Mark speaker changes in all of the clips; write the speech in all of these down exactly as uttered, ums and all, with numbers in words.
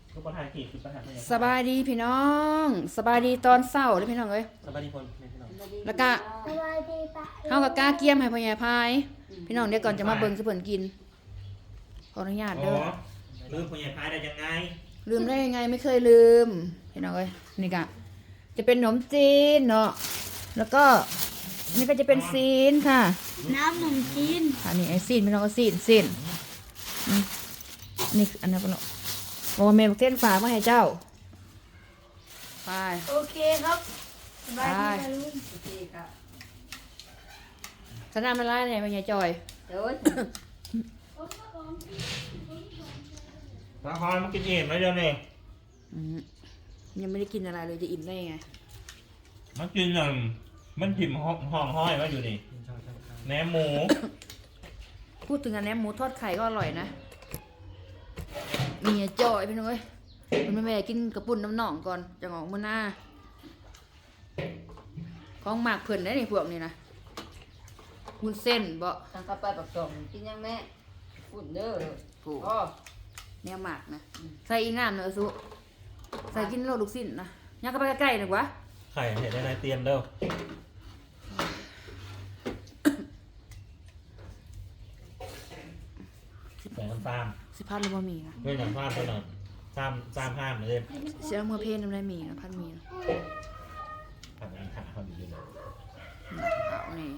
Speaker 1: ลูกประธานกี่คือประธาน
Speaker 2: สบายดีพี่น้องสบายดีตอนเช้าเลยพี่น้องเอ้ย
Speaker 1: สบายดีคนพี่น้อง
Speaker 2: แล้วก็เฮากับกล้าเกียมให้พ่อใหญ่พายพี่น้องเดี๋ยวก่อนจะมาเบิ่งสิเพิ่นกินขออนุญาต
Speaker 1: อ๋
Speaker 2: เด้อ
Speaker 1: อลืมคนใหญ่พายได้ยังไง
Speaker 2: ลืมได้ยังไงไม่เคยลืมพี่น้องเอ้ยนี่ก็จะเป็นขนมจีนเนาะแล้วก็นี่ก็จะเป็นซีนค่ะ
Speaker 3: น้ำขนมจีน
Speaker 2: อันนี้ไอ้ซีนพี่น้องก็ซีนซีนอืมนี่อันนั้นพี่น้องบอกว่าแม่บอกเส้นฝากมาให้เจ้าไป
Speaker 3: โอเคครับสบายดีนะลุง
Speaker 4: โอเคค่ะ
Speaker 2: สนามอะไรเนี่ยเป็นไงจอย
Speaker 4: เดี๋ยว
Speaker 1: ละครมันกินเองไหมเดี๋ยวนี้
Speaker 2: อืมยังไม่ได้กินอะไรเลยจะอิ่มได้ยังไง
Speaker 1: มันกินหนึ่งมันถิ่มห้องห้องห้อยไว้อยู่นี่แหนมหมู
Speaker 2: พูดถึงอันนี้หมูทอดไข่ก็อร่อยนะมีไงจอยพี่น้องเอ้ยมันไม่แม่กินกระปุ่นน้ำหนองก่อนจะงอกมือหน้าของหมากเพิ่นได้ในพวกนี้นะวุ้นเส้นบ่
Speaker 4: ทางเข้าไปปักสองกินยังแม่ฝุ่นเด้อ
Speaker 2: ถูก
Speaker 4: อ๋อ
Speaker 2: แนวหมากนะใส่อีน้ำเนอะสุใส่กินโลลูกสิ้นนะยักเข้าไปใกล้ๆหน่อยวะ
Speaker 1: ไข่เห็ดได้ในเตรียมเด้อแบ่งกันตาม
Speaker 2: สิพัดหรือบ่มีนะ
Speaker 1: เรื่องอย่างพลาดไปหน่อยตามตามห้ามเลย
Speaker 2: เสียมือเพลนน้ำได้มีนะพัดมีนะ
Speaker 1: ทำงานขาเขาดีเลย
Speaker 2: เอานี่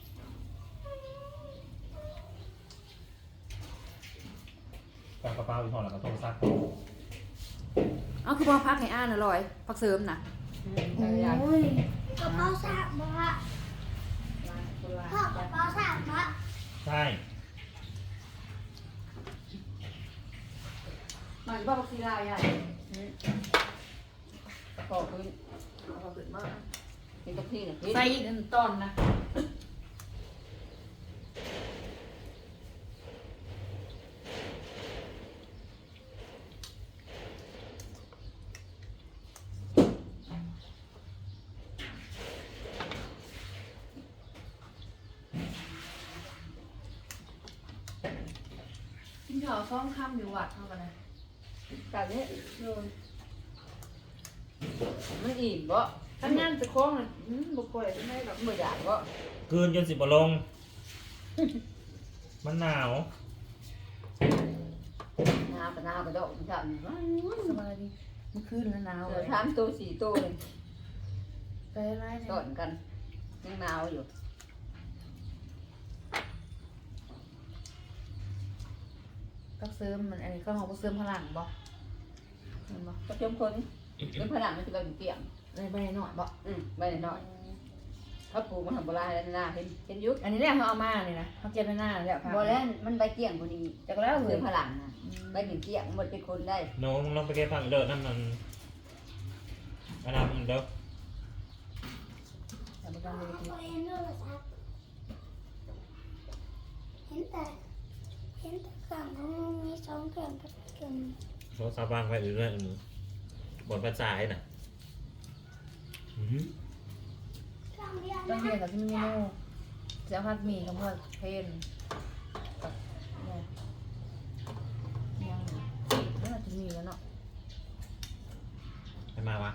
Speaker 1: กางกระเป๋าอีกห่อแล้วก็ต้มซัก
Speaker 2: เอาคือพอพักให้อ่านอร่อยพักเสริมนะ
Speaker 4: โอ้ย
Speaker 3: กระเป๋าสามบาทพ่อกระเป๋าสามบาท
Speaker 1: ใช่
Speaker 2: มาอยู่บ้านพักศิลาใหญ่
Speaker 4: ขอบคุณ
Speaker 2: ขอบคุณมาก
Speaker 4: กินกับพี่นะพี่
Speaker 2: ใส่อีกหนึ่งตอนนะ กินข้าวซ้อมค่ำอยู่วัดเท่ากันนะ
Speaker 4: การนี้มันอิ่มบ่
Speaker 2: ทำงานจะคล้องเลยอืมบุกไปไม่ได้หรอก
Speaker 4: ไม่อยากบ่
Speaker 1: คืนจนสิบลง มันหนาว
Speaker 4: น้ำกับน้ำกับดอกมันทำ
Speaker 2: สบายดีเมื่อคืนแล้วหนาวเล
Speaker 4: เดี๋ยวย ทำตัวสี่ตัวเลย
Speaker 2: ไปอะไรเนี่
Speaker 4: ต้
Speaker 2: ย
Speaker 4: นกันยังหนาวอยู่
Speaker 2: พักเสริมมันอันนี้ก็ของพักเสริมพลังบ่เห็นบ่
Speaker 4: ก็จมคนเป็นผนังมันจะเป็นเกี่ยง
Speaker 2: ในใบหน่อยบ่
Speaker 4: อืมใบหน่อยเขาปลูกมาทำโบราณแล้วนะเห็นเห็นยุค
Speaker 2: อันนี้แหละเขาเอามาเนี่ยนะเขาเก็บไว้หน้าแล้วค่ะ
Speaker 4: โบราณมันใบเกี่ยงพอดี
Speaker 2: จากแล้วเล
Speaker 4: คื
Speaker 2: ย
Speaker 4: อผนังนะใบหนึ่งเกี่ยงหมดเป็นคนได้
Speaker 1: โน้มึงลองไปเก็บผักเด้อนั่นมันอันนั้นมันเด้อ
Speaker 2: แต่ไม่ต้องเลย
Speaker 3: เห็นโทรศัพท์เห็นแต่เห็นแต่กล่องของมึงมีสองกล่องกับกล่อง
Speaker 1: โทรศัพท์วางไว้อยู่ด้วยมือ บนกระจายน่ะอื้อหือก
Speaker 3: ล่องเดียว
Speaker 2: ต้อง
Speaker 3: นะ
Speaker 2: เรียนกับที่มีเมนูเสียพัดหมีกับเพื่อนเพนกับเนี่ยยังไม่น่าจะมีแล้วเนาะ
Speaker 1: ใครมาวะ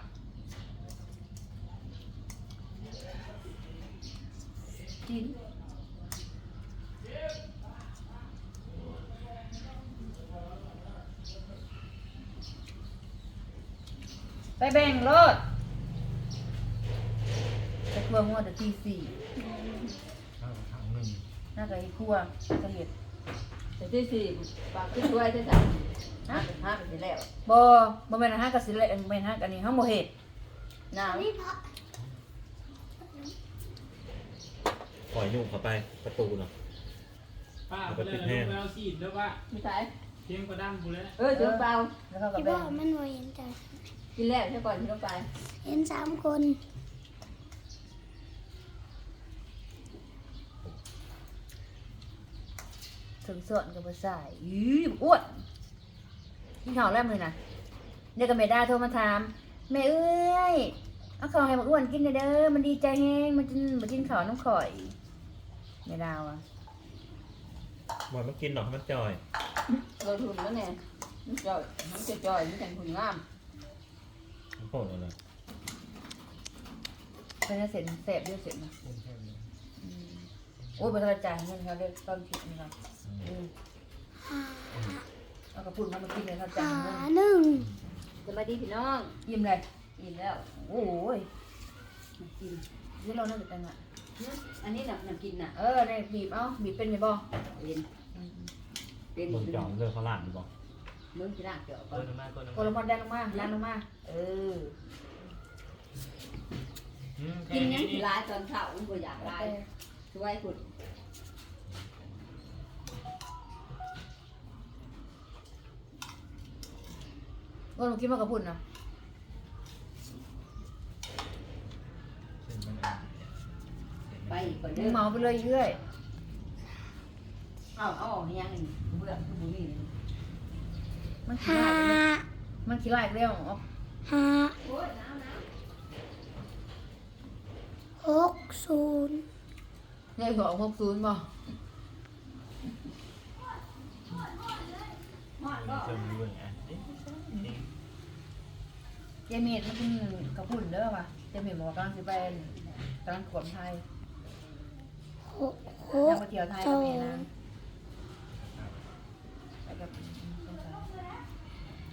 Speaker 2: กินไปแบ่งรถจะครัวงวดแต่ตีสี่
Speaker 1: ข้าวถังหนึ่ง
Speaker 2: น่าจะอีครัวน่าจะเห็ด
Speaker 4: แต่ที่สี่ปากขึ้นด้วยที่สามห้าเป็นห้าเป็นแล้ว
Speaker 2: บ่บ่แม่นห้ากับสิเละแม่นห้ากับนี่ห้าบ่เห็ด
Speaker 4: หนาว
Speaker 3: นี่พระ
Speaker 1: ปล่อยยุ่งเข้าไปประตูเนาะ
Speaker 5: ป้าไปเลยลูกแมวสีดแล้วว่า
Speaker 4: ไม่ใช่
Speaker 5: เทียงกระดังบุเลย
Speaker 4: เออเจอเปล่า
Speaker 2: แล้วเขาก็
Speaker 3: ที่บ
Speaker 2: แบ่
Speaker 3: อง กมันว่าเห็นแต่
Speaker 4: กินแล้วใช่ก่อนที่ต้องไป
Speaker 3: เห็นสามคน
Speaker 2: ถึงส่วนกับบ่ใส่อีอ้วนกินข้าวแล้วมื้อน่ะเดี๋ยวก็แม่ดาโทรมาถามแม่เอ้ยเอาข้าวให้บักอ้วนกินหน่อยเด้อมันดีใจแฮงมันกินบ่กินข้าวน้ำข่อยแม่ดาวอ่ะ
Speaker 1: บอยมันกินหรอกมันจอย
Speaker 4: เราทุนแล้วเนี่ยมันจ่อยมันจะจ่อยมันจังหุ่นงาม
Speaker 1: โคตรเลย
Speaker 2: เป็นเสร็จแสบด้วยเสร็จนะอืมโอ้ยบริจาคเงินเขาได้ตอนผิดนี่ครับอืมเอากระปุ่นมามากินเลยเขาจ่ายเงิน
Speaker 3: หนึ่ง
Speaker 4: สวัสดีพี่น้อง
Speaker 2: ยิ้มเลย
Speaker 4: กินแล้ว
Speaker 2: โอ้ย
Speaker 4: กิน
Speaker 2: นี่เราน่าจะแต่งอ่ะ
Speaker 4: อันนี้น่ะน้ำกินน่ะ
Speaker 2: เออได้บีบเอ้าบีบเป็นไหมบ่
Speaker 4: เป็น
Speaker 2: อืม
Speaker 4: เป็น
Speaker 1: มึงจอมเลือกเขาหลานดีบอก
Speaker 4: มึงจะน่าเกี่ยว
Speaker 5: เอ
Speaker 4: กับ
Speaker 5: อน้ำมันก่อน
Speaker 2: กดลงมาแดงลงมาแดงลงมาเออ
Speaker 4: กินยังร้ายตอนเช้ามันก็อยากร้ายช่วยคุณ
Speaker 2: ก็หนูกินมากระปุ่นนะ
Speaker 4: ไปก่อน
Speaker 2: มึ
Speaker 4: เด้
Speaker 2: ง
Speaker 4: อ
Speaker 2: เมาไปเลยเรื่อย
Speaker 4: เอาเอาออกยังไงเบื่อคือบุนี่
Speaker 2: มันขี้
Speaker 3: ห้า
Speaker 2: ไล่เลยมันขี้ไล่เร็วอ๋อ
Speaker 3: ห้า
Speaker 4: โอ้ยน้ำน้
Speaker 3: หกศูนย์
Speaker 2: เนี่ยหัวหกศูนย์บ่
Speaker 4: ำหอนก็
Speaker 1: เชิญดูอย่างนี้
Speaker 2: เจมี่มันกินกระปุ่นเด้อป่ะเจมี่บอกว่ากำลังจะไปกำลังขวบไทย
Speaker 3: หกห
Speaker 2: อยาก
Speaker 3: ก
Speaker 2: ไปเที่ยวไทย
Speaker 3: ส
Speaker 2: กับ
Speaker 3: อ
Speaker 2: แม่
Speaker 3: ง
Speaker 2: นะไปกับสงสาร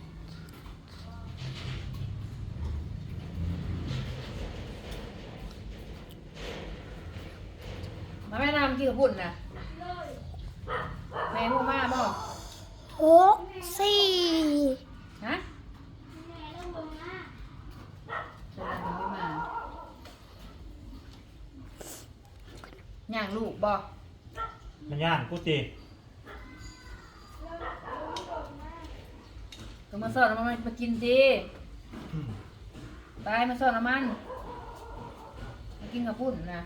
Speaker 2: มาแม่นำกินกระปุ่นนะแม่พูดมาบ่
Speaker 3: หกสี่
Speaker 2: ฮะเชิญนางไม่มาย่างลูกบ่
Speaker 1: มันย่านกูตี
Speaker 2: ก็มาสอนมันมากินสิไปมาสอนมันมากินกับพุ่นนะ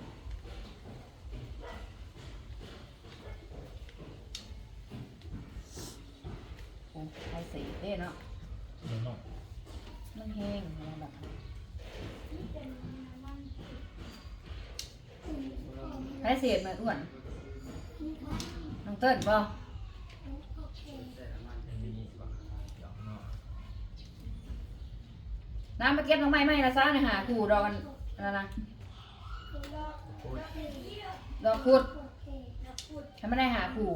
Speaker 2: โอ้ไทยสีเด้เนาะ
Speaker 1: เดี๋ยวหน่อย
Speaker 2: มันแห้งอะไรแบบไทยเสียดมันอ้วนน้องเติ้ลบ่น้ำมาเก็บน้องไม้ไม้ละซ่าเนี่ยหาขู่ดอกกันอะไรนะดอกขุดให้ไม่ได้หาขู่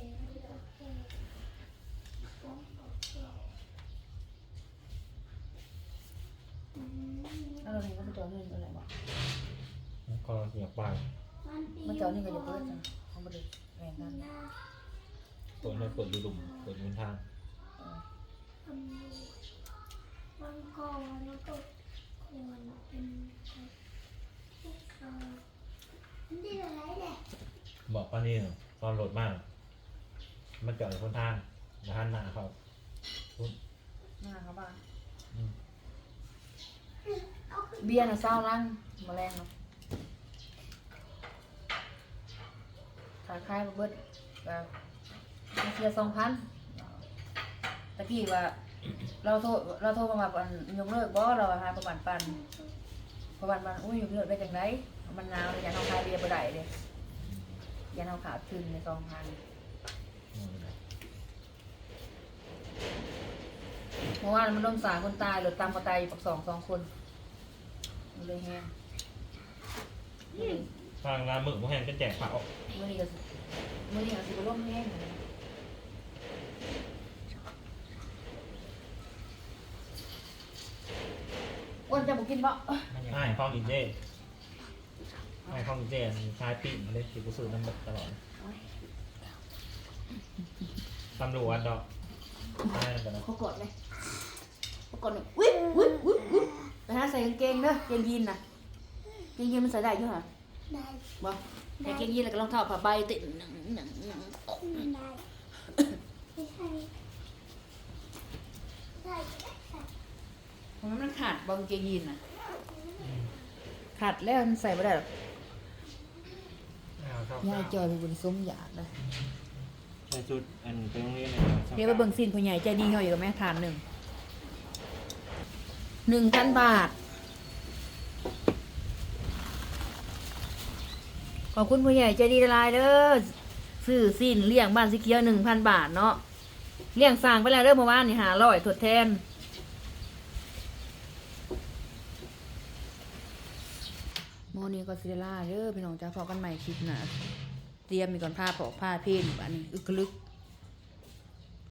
Speaker 2: แล้วเราเห็นว่ามันจอเงินอะไรบ่
Speaker 1: คอเสียบไป
Speaker 2: มันจอนี่ก็จะเปิดจังเขาไม่ได้แรงกัน
Speaker 1: เปิดเลยเปิดดูดุ่มเปิดมือทาง
Speaker 3: วันก่อนแล้วก็ควรเป็นพวกเขามันได้อะไรเนี่ย
Speaker 1: บอกป้านี่ตอนโหลดมาก มันจอดในคนทางนะฮะหน้าเขา
Speaker 2: หน้าเขาบ้าง
Speaker 1: อืม
Speaker 2: เบียร์น่ะเศร้าลังแมาแรงเนาะขายคายมาเบิดแบบมาเสียสองพันตะกี้ว่า เราโทรเราโทรมาแบบยกเลิกบ่เราหาประมาณปันประมาณปันอุ้ยยกเลิกได้จังไดมันหนาวเลยอย่าเอาคายเบียร์บ่ได้เลยอย่าเอาขาดทุนในสองพันเมื่อวานมันโดนสามคนตายหรือตามก็ตายอยู่ปักสองสองคนมันเลยแห้ง
Speaker 1: ทางร้านหมึกพวกแฮนก็แจกเผา
Speaker 2: มื่อนี้ก็สิมื่อนี้ก็สิบร่มแห้งอ้วนจะบอกกินบ่
Speaker 1: ใช่ข้องอินเจใช่ข้องอินเจชายปีกมาเลยที่กูซื้อน้ำหมึกตลอดตำรวจดอกใช่กันนะ
Speaker 2: เขากดเลยเขากดเลยวิบวิบวิบวิบแต่ถ้าใส่กางเกงเด้อกางเกงยีนน่ะกางเกงยีนมันใส่ได้อยู่หรอ
Speaker 3: ได้
Speaker 2: บ่กางเกงยีนแล้วก็รองเท้าผ้าใบติดหนังหนังหนัง
Speaker 3: ได้ไม่ใช่ใช่ใช่
Speaker 2: เพราะมันขาดบ่กางเกงยีนน่ะขาดแล้วมันใส่ไม่ได้หรอกยายจอยเป็นบุญสมอยากเลย
Speaker 1: ใส่ชุดอันไปโรงเรียนเลย
Speaker 2: เดี๋ยวไปเบิ่งสินผู้ใหญ่ใจดีเขาอยู่กับแม่ทานหนึ่งหนึ่งพันบาท ขอบคุณผู้ใหญ่ใจดีละลายเด้อซื้อสินเลี้ยงบ้านสีเขียวหนึ่งพันบาทเนาะเลี้ยงสร้างไปแล้วเด้อเมื่อวานนี่หาร้อยทดแทนโมอนี้ก็ซิเดล่าเด้อพี่น้องจ้าพอกันใหม่คลิปหนะเตรียมมีก่อนผ้าปอกผ้าเพลอันนี้อึกกระลึก